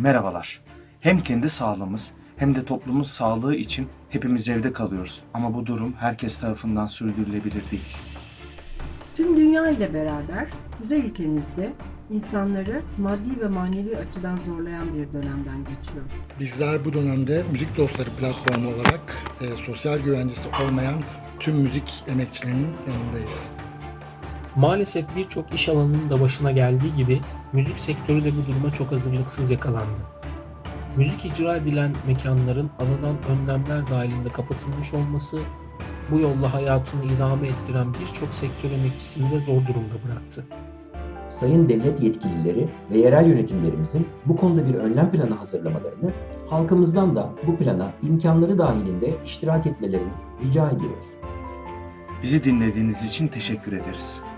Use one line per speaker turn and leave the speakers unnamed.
Merhabalar. Hem kendi sağlığımız hem de toplumun sağlığı için hepimiz evde kalıyoruz. Ama bu durum herkes tarafından sürdürülebilir değil.
Tüm dünya ile beraber güzel ülkemizde insanları maddi ve manevi açıdan zorlayan bir dönemden geçiyor.
Bizler bu dönemde Müzik Dostları platformu olarak sosyal güvencesi olmayan tüm müzik emekçilerinin yanındayız.
Maalesef birçok iş alanının da başına geldiği gibi müzik sektörü de bu duruma çok hazırlıksız yakalandı. Müzik icra edilen mekanların alınan önlemler dahilinde kapatılmış olması bu yolla hayatını idame ettiren birçok sektör emekçisini de zor durumda bıraktı.
Sayın devlet yetkilileri ve yerel yönetimlerimizin bu konuda bir önlem planı hazırlamalarını, halkımızdan da bu plana imkanları dahilinde iştirak etmelerini rica ediyoruz.
Bizi dinlediğiniz için teşekkür ederiz.